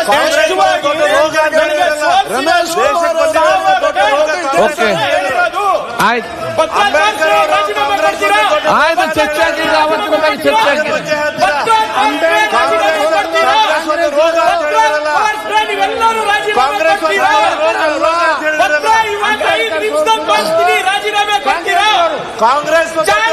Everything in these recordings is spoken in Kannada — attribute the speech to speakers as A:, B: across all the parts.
A: ರಮೇಶ್
B: ಓಕೆ ಆಯ್ತು ಆಯ್ತು ಚರ್ಚೆ ಆಗಿದೆ ಅವತ್ತಿನ ಬಗ್ಗೆ ಚರ್ಚೆ ಆಗಿದೆ
A: ಕಾಂಗ್ರೆಸ್ ಕಾಂಗ್ರೆಸ್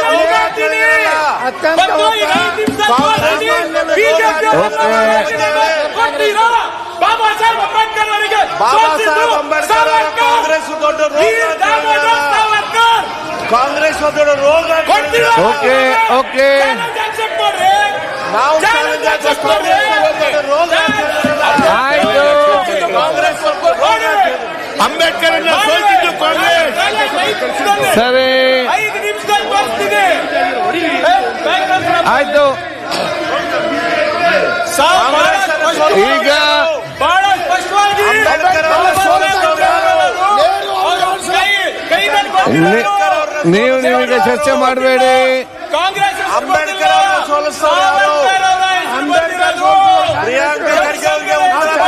A: ಬಾಬಾ ಸಾಹೇಬ್ ಅಂಬೇಡ್ಕರ್ ಅವರಿಗೆ ಕಾಂಗ್ರೆಸ್ ದೊಡ್ಡ ಕಾಂಗ್ರೆಸ್ ದೊಡ್ಡ ರೋಗ.
B: ಓಕೆ ಓಕೆ
A: ನಾವು
B: ಆಯ್ತು
A: ಅಂಬೇಡ್ಕರ್ ಸೋಲಿಸಿದ್ದು ಕಾಂಗ್ರೆಸ್.
B: ಸರಿ ಆಯ್ತು ಈಗ
C: ಬಹಳ ಸ್ಪಷ್ಟವಾಗಿ
B: ನೀವೀಗ ಚರ್ಚೆ ಮಾಡಬೇಡಿ.
C: ಕಾಂಗ್ರೆಸ್
A: ಅಂಬೇಡ್ಕರ್ ಸೋಲಿಸ್ತಾರೆ. ಪ್ರಿಯಾಂಕಾ ಖರ್ಗೆ ಅವರಿಗೆ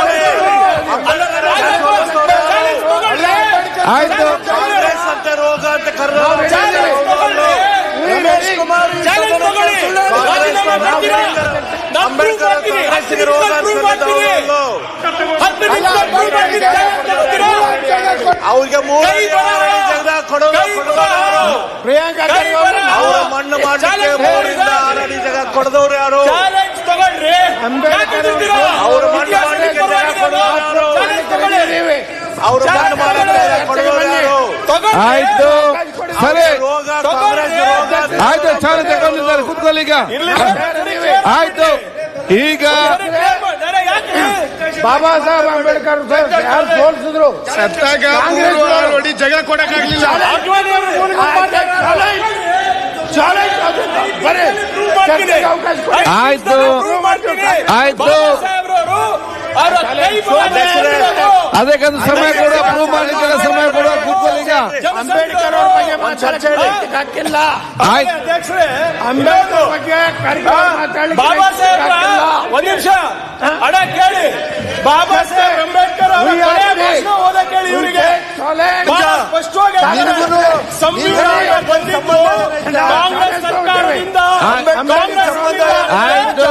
B: ಆಯ್ತು
A: ಕಾಂಗ್ರೆಸ್ ಅಂತ ರೋಗ ಅಂತ ರಮೇಶ್ ಕುಮಾರ್ ಅಂಬೇಡ್ಕರ್ ಕಾಂಗ್ರೆಸ್ಗೆ ರೋಗ ಅವ್ರಿಗೆ ಜಗದ
C: ಪ್ರಿಯಾಂಕಾ
A: ಅವರ ಮಣ್ಣು ಮಾಡಲಿಕ್ಕೆ 3 ರಿಂದ 6 ಜಾಗ ಕೊಡದವ್ರು ಯಾರು? ಅವ್ರ ಮಣ್ಣು ಮಾಡಲಿಕ್ಕೆ ಜಾಗ ಕೊಡೋರು ಅವ್ರ ಮಣ್ಣು ಮಾಡಲಿಕ್ಕೆ ಕೊಡೋರು ಯಾರು?
B: ಆಯ್ತು ಸರಿ
A: ರೋಗ ಕಾಂಗ್ರೆಸ್ ರೋಗ.
B: ಆಯ್ತು ಚಾಲು ತಗೊಂಡಿದ್ದಾರೆ ಕೂತ್ಕೊಳ್ಳಿ. ಈಗ ಆಯ್ತು ಈಗ
D: ಬಾಬಾ ಸಾಹೇಬ್ ಅಂಬೇಡ್ಕರ್ ಯಾರು ಸೋಲಿಸಿದ್ರು
A: ಸತ್ತಾಗ 3 ಅಡಿ ಜಾಗ ಕೊಡಕ್ಕಾಗ್ಲಿಲ್ಲ.
B: ಆಯ್ತು ಆಯ್ತು ಅದಕ್ಕೊಂದು ಸಮಯ ಕೊಡುವ ಪ್ರೂವ್ ಮಾಡಲಿಕ್ಕೆ ಸಮಯ ಕೊಡುವ ಕೂತ್ಕೊಳ್ಳಿ. ಈಗ
D: ಅಂಬೇಡ್ಕರ್ ಅವ್ರ ಬಗ್ಗೆ ಚರ್ಚೆ ಹಾಕಿಲ್ಲ.
B: ಆಯ್ತು
D: ಅಂಬೇಡ್ಕರ್ ಬಗ್ಗೆ
C: ಬಾಬಾ ಸಾಹೇಬ್ ಒಂದ್ ನಿಮಿಷ ಅಡ ಕೇಳಿ. ಬಾಬಾ ಸಾಹೇಬ್ ಅಂಬೇಡ್ಕರ್ ಅವರ ಓದ ಕೇಳಿ. ಇವರಿಗೆ ಸ್ಪಷ್ಟವಾಗಿ ಸಂವಿಧಾನ ಬಂದಿದ್ದು ಕಾಂಗ್ರೆಸ್ ಸರ್ಕಾರದಿಂದ.
B: ಆಯ್ತು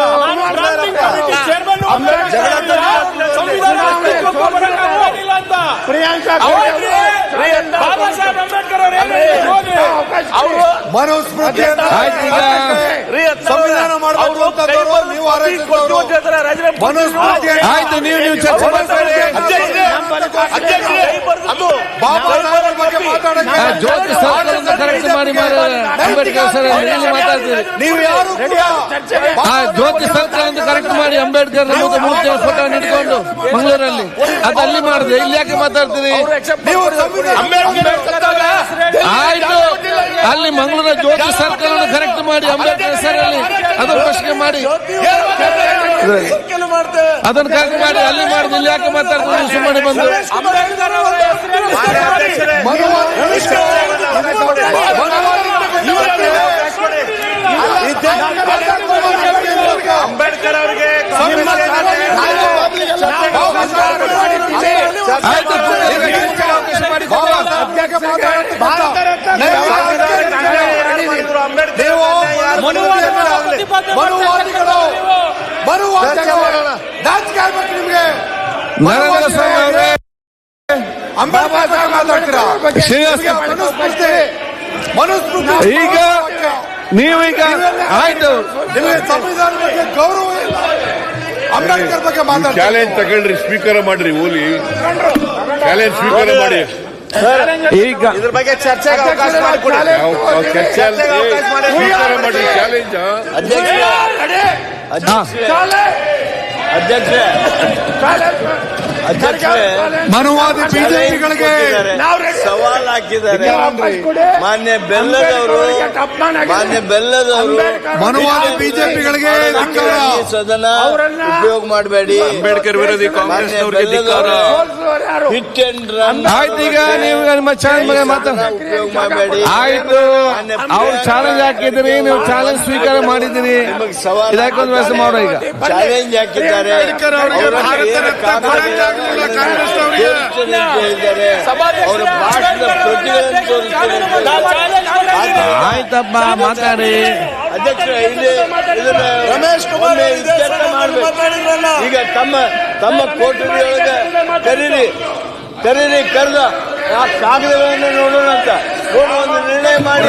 D: ಪ್ರಿಯಾಂಕಾ
C: ಬಾಬಾ ಸಾಹೇಬ್ ಅಂಬೇಡ್ಕರ್ ಅವರು
A: ಮನುಸ್ಮೃತಿ
B: ಆಯ್ತು ಈಗ
A: ಸಂವಿಧಾನ ಮಾಡಬೇಕು ಅಂತಂದ್ರು ನೀವು ಮನುಸ್ಮೃತಿ
B: ಆಯ್ತು ನೀವು ಚರ್ಚೆ ಮಾಡ್ತಾರೆ.
A: ಬಗ್ಗೆ ಮಾತಾಡಕ್ಕೆ
B: ಜ್ಯೋತಿ ಸರ್ಕಲ್ ಕರೆಕ್ಟ್ ಮಾಡಿ ಅಂಬೇಡ್ಕರ್ ಸರ್ ಮಾತಾಡ್ತೀರಿ.
A: ನೀವು ಯಾರು
B: ಜ್ಯೋತಿ ಸರ್ಕಲ್ ಅಂತ ಕರೆಕ್ಟ್ ಮಾಡಿ ಅಂಬೇಡ್ಕರ್ ಮೂರ್ತಿ ಫೋಟೋ ಇಟ್ಕೊಂಡು ಮಂಗಳೂರಲ್ಲಿ ಅಲ್ಲಿ ಮಾಡಿದೆ. ಇಲ್ಲಿ ಯಾಕೆ ಮಾತಾಡ್ತೀರಿ? ಆಯ್ತು ಅಲ್ಲಿ ಮಂಗಳೂರ ಜ್ಯೋತಿ ಸರ್ಕಲ್ ಅನ್ನು ಕರೆಕ್ಟ್ ಮಾಡಿ ಅಂಬೇಡ್ಕರ್ ಹೆಸರಲ್ಲಿ ಅದನ್ನು ಪ್ರಶ್ನೆ ಮಾಡಿ ಅದನ್ನು ಕರೆಕ್ಟ್ ಮಾಡಿ ಅಲ್ಲಿ ಮಾಡಿದ. ಇಲ್ಲಿ ಯಾಕೆ ಮಾತಾಡ್ತೀರಿ ಸುಮ್ಮನೆ ಬಂದು?
A: ಅಂಬೇಡ್ಕರ್ ಅವರಿಗೆ
B: ಆಯ್ತು ನರೇಂದ್ರ ಸ್ವಾಮಿ ಅವರೇ ಈಗ ನೀವೀಗ ಆಯ್ತು
A: ಸಂವಿಧಾನ ಬಗ್ಗೆ ಗೌರವ ಇಲ್ಲ. ಅಂಬೇಡ್ಕರ್ ಬಗ್ಗೆ ಮಾತಾಡ್ತಾರೆ.
E: ಚಾಲೆಂಜ್ ತಗೊಳ್ರಿ, ಸ್ಪೀಕರ್ ಮಾಡ್ರಿ. ಓಲಿ ಚಾಲೆಂಜ್ ಸ್ಪೀಕರ್ ಮಾಡಿ.
B: ಈಗ
A: ಇದ್ರ ಬಗ್ಗೆ ಚರ್ಚೆಗೆ ಅವಕಾಶ ಮಾಡಿಕೊಡಿ.
E: ಚರ್ಚೆ ಸ್ಪೀಕರ್ ಮಾಡ್ರಿ. ಚಾಲೆಂಜ್
C: ಅಧ್ಯಕ್ಷ
E: ಮನುವಾದಿ ಬಿಜೆಪಿಗಳಿಗೆ
C: ಸವಾಲ್ ಹಾಕಿದ್ದಾರೆ. ಮಾನ್ಯ ಬೆಲ್ಲದವರು
E: ಮನುವಾದಿ ಬಿಜೆಪಿಗಳಿಗೆ
C: ಸದನ ಉಪಯೋಗ ಮಾಡಬೇಡಿ.
E: ಅಂಬೇಡ್ಕರ್ ವಿರೋಧಿ ಕಾಂಗ್ರೆಸ್ನವರಿಗೆ
C: ಹಿಟ್ ಅಂಡ್ ರನ್
B: ಆಯ್ತು. ಈಗ ನೀವು ನಿಮ್ಮ ಚಾಲೆಂಜ್
C: ಉಪಯೋಗ ಮಾಡಬೇಡಿ.
B: ಆಯ್ತು, ಅವ್ರು ಚಾಲೆಂಜ್ ಹಾಕಿದ್ರಿ, ನೀವು ಚಾಲೆಂಜ್ ಸ್ವೀಕಾರ ಮಾಡಿದಿರಿ. ಇದಕ್ಕೊಂದು ವ್ಯವಸ್ಥೆ ಮಾಡೋ. ಈಗ
C: ಚಾಲೆಂಜ್ ಹಾಕಿದ್ದಾರೆ. ಅವರ ಭಾಷಣದ ಪ್ರತಿಗಳನ್ನು ತೋರಿಸ್ತಾರೆ.
B: ಆಯ್ತಪ್ಪ, ಮಾತಾಡಿ.
C: ಅಧ್ಯಕ್ಷ, ರಮೇಶ್ ಕುಮಾರ್ ಈಗ ತಮ್ಮ ಕೋಟರಿಯೊಳಗೆ ಕರೀರಿ ಕರೆದ ಆ ಕಾಗದಗಳನ್ನು ನೋಡೋಣ ಅಂತ ಒಂದು ನಿರ್ಣಯ ಮಾಡಿ.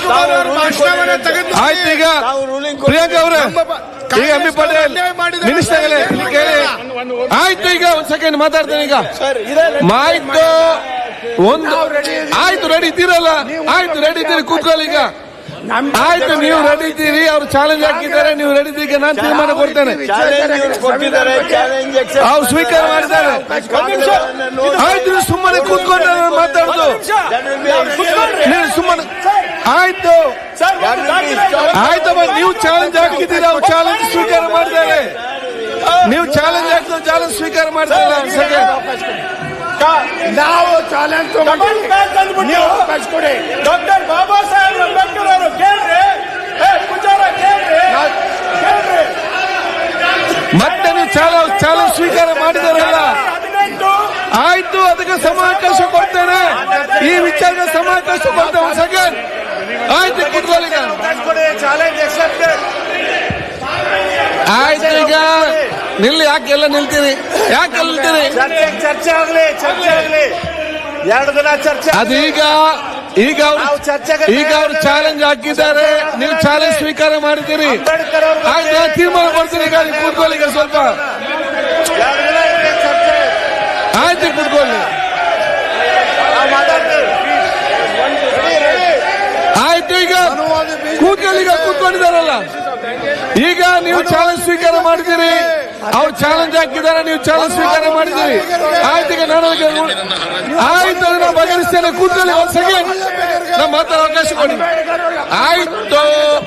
B: ಆಯ್ತು. ಈಗ ಪ್ರಿಯಾಂಕಾ ಅವರೇ, ಈಗ ಎಂ ಬಿ ಪಾಟೀಲ್ ಮಿನಿಸ್ಟರ್ ಕೇಳಿ. ಆಯ್ತು, ಈಗ ಒಂದ್ ಸೆಕೆಂಡ್ ಮಾತಾಡ್ತೇನೆ. ಈಗ ಆಯ್ತು, ಆಯ್ತು, ರೆಡಿ ಇದ್ದೀರಲ್ಲ? ಆಯ್ತು, ರೆಡಿ ಇದ್ದೀರಿ, ಕೂತ್ಕೊಳ್ಳಿ. ಈಗ ಆಯ್ತು, ನೀವು ರೆಡಿ ಇದ್ದೀರಿ, ಅವ್ರು ಚಾಲೆಂಜ್ ಹಾಕಿದ್ದಾರೆ, ನೀವು ರೆಡಿ ಇದ್ದೀಗ ನಾನು ತೀರ್ಮಾನ ಕೊಡ್ತೇನೆ. ಅವ್ರು ಸ್ವೀಕಾರ ಮಾಡಿದ್ದಾರೆ. ಆಯ್ತು, ನೀವು ಸುಮ್ಮನೆ ಕೂತ್ಕೊಂಡು ಮಾತಾಡುದು, ನೀವು ಸುಮ್ಮನೆ. ಆಯ್ತು ಆಯ್ತಮ್ಮ, ನೀವು ಚಾಲೆಂಜ್ ಹಾಕಿದ್ದೀರಾ, ಅವ್ರು ಚಾಲೆಂಜ್ ಸ್ವೀಕಾರ ಮಾಡಿದ್ದಾರೆ. ನೀವು ಚಾಲೆಂಜ್ ಹಾಕಿದ್ರೆ ಚಾಲೆಂಜ್ ಸ್ವೀಕಾರ ಮಾಡ್ತಾರೆ.
D: ನಾವು ಚಾಲೆಂಜ್ ನೀವು ಅವಕಾಶ ಕೊಡಿ.
C: ಡಾಕ್ಟರ್ ಬಾಬಾ ಸಾಹೇಬ್ ಅಂಬೇಡ್ಕರ್ ಅವರು ಕೇಳ್ರಿ,
B: ಮತ್ತೆ ನೀವು ಚಾಲೆಂಜ್ ಸ್ವೀಕಾರ ಮಾಡಿದಾರಲ್ಲ? ಆಯ್ತು, ಅದಕ್ಕೆ ಸಮಾವಕಾಶ ಕೊಡ್ತೇನೆ. ಈ ವಿಚಾರದ ಸಮಾವಕಾಶ ಕೊಡ್ತೇನೆ. ಒಂದು ಸೆಕೆಂಡ್. ಆಯ್ತು, ಕೂತ್ಕೊಳ್ಳಿ. ಆಯ್ತು, ಈಗ ನಿಲ್ಲಿ. ಯಾಕೆಲ್ಲ ನಿಲ್ತೀರಿ? ಯಾಕೆಲ್ಲ ನಿಲ್ತೀರಿ?
C: ಚರ್ಚೆ ಆಗ್ಲಿ 2 ದಿನ ಚರ್ಚೆ.
B: ಅದು ಈಗ ಅವ್ರು ಚಾಲೆಂಜ್ ಹಾಕಿದ್ದಾರೆ, ನೀವು ಚಾಲೆಂಜ್ ಸ್ವೀಕಾರ ಮಾಡಿದ್ದೀರಿ. ಆಯ್ತು, ನಾನು ತೀರ್ಮಾನ ಮಾಡ್ತೀನಿ. ಈಗ ನೀವು ಕೂತ್ಕೊಳ್ಳಿ. ಈಗ ಸ್ವಲ್ಪ ಆಯ್ತು, ಕೂತ್ಕೊಳ್ಳಿ. ಆಯ್ತು, ಈಗ ಕೂತ್ಕೊಳ್ಳಿ. ಈಗ ಕೂತ್ಕೊಂಡಿದ್ದಾರಲ್ಲ, ಈಗ ನೀವು ಚಾಲೆಂಜ್ ಸ್ವೀಕಾರ ಮಾಡಿದ್ದೀರಿ. ಅವ್ರು ಚಾಲೆಂಜ್ ಹಾಕಿದ್ದಾರೆ, ನೀವು ಚಾಲೆಂಜ್ ಸ್ವೀಕಾರ ಮಾಡಿದ್ದೀರಿ. ಆಯ್ತು, ಈಗ ನಾನು ಆಯ್ತು, ಅದನ್ನ ಬಗೆಹರಿಸ್ತೇನೆ. ಕೂತ್ಕೊಳ್ಳಿ. ಒಂದು ಸೆಕೆಂಡ್, ನಾವು ಮಾತಾಡೋ ಅವಕಾಶ ಕೊಡಿ. ಆಯ್ತು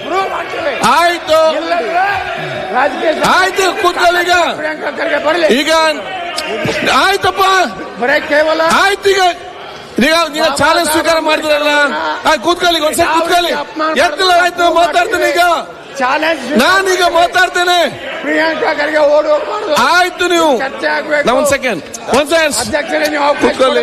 B: ಆಯ್ತು, ಕೂತ್ಕೊಳ್ಳಿ. ಈಗ ಆಯ್ತಪ್ಪ, ಆಯ್ತು. ಈಗ ಚಾಲೆಂಜ್ ಸ್ವೀಕಾರ ಮಾಡಿದ್ರಲ್ಲ, ಕೂತ್ಕೊಳ್ಳಿ. ಒಂದ್ಸಲ ಕೂತ್ಕೊಳ್ಳಿ. ಎತ್ತಲ್ಲ. ಆಯ್ತು, ನಾವು ಮಾತಾಡ್ತೇನೆ. ಈಗ ನಾನೀಗ ಮಾತಾಡ್ತೇನೆ.
D: ಪ್ರಿಯಾಂಕಾ ಖರ್ಗೆ ಓಡು.
B: ಆಯ್ತು, ನೀವು ಒಂದ್ ಸೆಕೆಂಡ್
D: ಅಧ್ಯಕ್ಷರೇ, ನೀವು
B: ಕೂತ್ಕೊಳ್ಳಿ.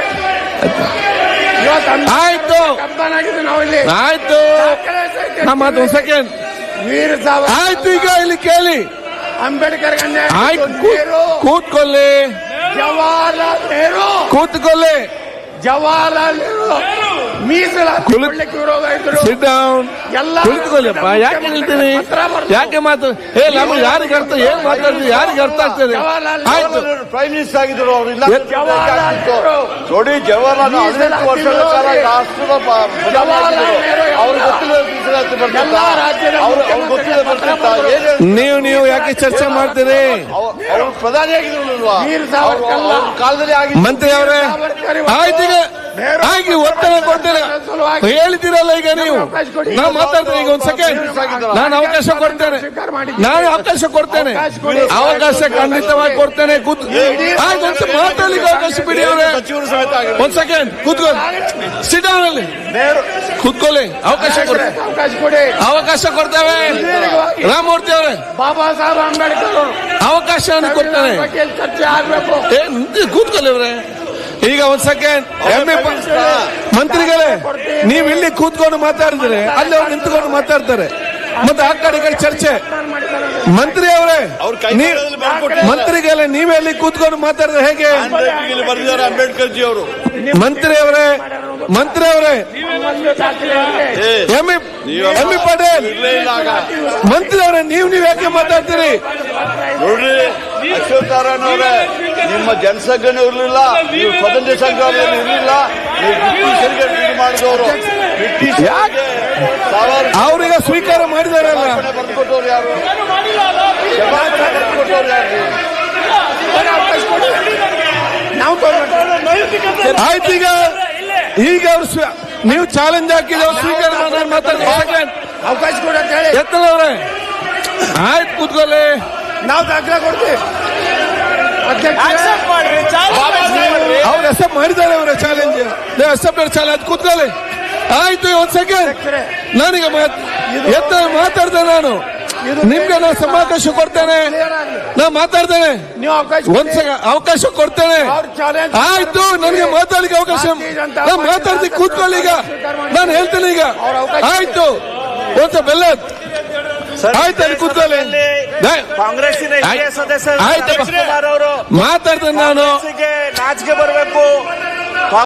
B: ಆಯ್ತು ಆಯ್ತು, ನಮ್ಮ ಒಂದ್ ಸೆಕೆಂಡ್.
D: ವೀರ ಸಾವರ್ಕರ್
B: ಆಯ್ತು, ಈಗ ಇಲ್ಲಿ ಕೇಳಿ.
D: ಅಂಬೇಡ್ಕರ್
B: ಆಯ್ತು, ಕೂತ್ಕೊಳ್ಳಿ.
D: ಜವಾಹರ್ಲಾಲ್ ನೆಹರು
B: ಕೂತ್ಕೊಳ್ಳಿ.
D: ಜವಾಹರ್ಲಾಲ್ ನೆಹರು ಮೀಸಲಾತಿ ಕೊಡ್ಲಿಕ್ಕೆ ವಿರೋಧ ಇದ್ರು.
B: Sit down. ಕುಳಿತುಕೊಳ್ಳಿಪ್ಪ. ಯಾಕೆ ನಿಲ್ತೀನಿ? ಯಾಕೆ ಮಾತು? ನಮ್ಗೆ ಯಾರಿಗೆ ಅರ್ಥ, ಏನ್ ಮಾತಾಡ್ತೀವಿ, ಯಾರಿಗೆ ಅರ್ಥ ಆಗ್ತದೆ? ಆಯ್ತು,
C: ಪ್ರೈಮ್ ಮಿನಿಸ್ಟರ್ ಆಗಿದ್ರು ಅವರು.
D: ಜವಾಹರ್ಲಾಲ್ ನೆಹರು
C: ನೋಡಿ, ಜವಾಹರ್ಲಾಲ್ 18 ವರ್ಷಗಳ ಕಾಲ ರಾಷ್ಟ್ರದ ಅವ್ರು ಗೊತ್ತಿಲ್ಲ.
B: ನೀವು ಯಾಕೆ ಚರ್ಚೆ ಮಾಡ್ತೀರಿ?
C: ಅವರು ಪ್ರಧಾನಿ ಆಗಿದ್ರು ಕಾಲದಲ್ಲಿ ಆಗಿ.
B: ಮಂತ್ರಿ ಅವರೇ, ಆಯ್ತು, ಈಗ ಆಗಿ ಒತ್ತಡ ಕೊಡ್ತೇನೆ ಹೇಳ್ತೀರಲ್ಲ. ಈಗ ನೀವು ನಾವು ಮಾತಾಡ್ತೇನೆ. ಈಗ ಒಂದ್ ಸೆಕೆಂಡ್, ನಾನು ಅವಕಾಶ ಕೊಡ್ತೇನೆ. ಅವಕಾಶ ಖಂಡಿತವಾಗಿ ಕೊಡ್ತೇನೆ. ಆಯ್ತು, ಮಾತಾಡ್ಲಿಕ್ಕೆ ಅವಕಾಶ ಬಿಡಿ ಅವರೇ. ಒಂದ್ ಸೆಕೆಂಡ್ ಕೂತ್ಕೊಳ್ಳಿ. ಸಿಡೌನ್ ಅಲ್ಲಿ ಕೂತ್ಕೊಳ್ಳಿ. ಅವಕಾಶ ಕೊಡ್ತೇವೆ. ರಾಮಮೂರ್ತಿ ಅವರೇ,
D: ಬಾಬಾ ಸಾಹೇಬ್ ಅಂಬೇಡ್ಕರ್
B: ಅವಕಾಶವನ್ನು ಕೊಡ್ತೇನೆ.
D: ಚರ್ಚೆ ಆಗ್ಬೇಕು.
B: ಕೂತ್ಕೊಳ್ಳಿ ಅವರೇ. ಈಗ ಒಂದ್ ಸೆಕೆಂಡ್. ಮಂತ್ರಿಗಳೇ, ನೀವು ಇಲ್ಲಿ ಕೂತ್ಕೊಂಡು ಮಾತಾಡಿದ್ರೆ ಅಲ್ಲಿ ಅವ್ರು ನಿಂತ್ಕೊಂಡು ಮಾತಾಡ್ತಾರೆ. ಮತ್ತೆ ಆ ಕಡೆ ಚರ್ಚೆ. ಮಂತ್ರಿ ಅವರೇ, ಮಂತ್ರಿಗಳೇ, ನೀವೆಲ್ಲಿ ಕೂತ್ಕೊಂಡು ಮಾತಾಡಿದ್ರೆ ಹೇಗೆ?
C: ಅಂಬೇಡ್ಕರ್ ಜಿ ಅವರು.
B: ಮಂತ್ರಿ ಅವರೇ, ಎಂ ಬಿ ಪಾಟೀಲ್ ಮಂತ್ರಿ ಅವರೇ, ನೀವು ಯಾಕೆ ಮಾತಾಡ್ತೀರಿ?
C: ನೋಡ್ರಿ ಅಶ್ವತ್ಥನಾರಾಯಣ ಅವರೇ, ನಿಮ್ಮ ಜನಸಂಘನೂ ಇರಲಿಲ್ಲ, ನೀವು ಸ್ವತಂತ್ರ ಸಂಗ್ರಾಮದಲ್ಲಿ ಇರಲಿಲ್ಲ, ನೀವು ಬ್ರಿಟಿಷರಿಗೆ ಟ್ರೀಟ್ ಮಾಡಿದವರು.
B: ಅವ್ರೀಗ ಸ್ವೀಕಾರ ಮಾಡಿದಾರಲ್ಲ.
C: ಬರ್ಕೊಟ್ಟವ್ರು ಯಾರು? ಬರ್ಕೊಟ್ಟವ್ರು ಯಾರು?
B: ಆಯ್ತು ಈಗ ಅವ್ರು ನೀವು ಚಾಲೆಂಜ್ ಹಾಕಿದ್ರೆ ಅವ್ರು ಸ್ವೀಕಾರ ಮಾಡಿ ಮಾತಾಡ್ತಾರೆ.
D: ಅವಕಾಶ ಕೊಡಿ ಅಂತ ಹೇಳಿ
B: ಎತ್ತಲವ್ರೆ ಆಯ್ತು ಕೂತ್ಕೊಳ್ಳಿ.
D: ನಾವು ದಾಖಲೆ ಕೊಡ್ತೀವಿ.
B: ಅವ್ರು ಅಕ್ಸೆಪ್ಟ್ ಮಾಡಿದ್ದಾರೆ ಅವರ ಚಾಲೆಂಜ್. ಅಕ್ಸೆಪ್ಟ್ ಚಾಲೆಂಜ್ ಕೂತ್ಕೊಳ್ಳಿ. ಆಯ್ತು ಒಂದ್ ಸೆಕೆಂಡ್ ನನಗೆ ಮಾತಾಡ್ತೇನೆ. ನಾನು ನಿಮ್ಗೆ ನಾನು ಅವಕಾಶ ಕೊಡ್ತೇನೆ. ನಾ ಮಾತಾಡ್ತೇನೆ.
D: ನೀವು ಅವಕಾಶ
B: ಒಂದ್ ಸೆಕೆಂಡ್ ಅವಕಾಶ ಕೊಡ್ತೇನೆ. ಆಯ್ತು ನನಗೆ ಮಾತಾಡ್ಲಿಕ್ಕೆ ಅವಕಾಶ. ನಾನು ಮಾತಾಡ್ತೀನಿ ಕೂತ್ಕೊಳ್ಳಿ. ಈಗ ನಾನು ಹೇಳ್ತೇನೆ. ಈಗ ಆಯ್ತು ಒಂದ್ಸ ಬೆಲ್ಲ ಆಯ್ತು ಅಲ್ಲಿ ಕೂತ್ಕೊಳ್ಳಿ.
A: ಕಾಂಗ್ರೆಸ್ಸಿನ ಹಿರಿಯ ಸದಸ್ಯರು
B: ಆಯ್ತು
A: ರಮೇಶ್ ಕುಮಾರ್ ಅವರು
B: ಮಾತಾಡ್ತೇನೆ. ನಾನು
A: ನಾಚಿಕೆ ಬರಬೇಕು.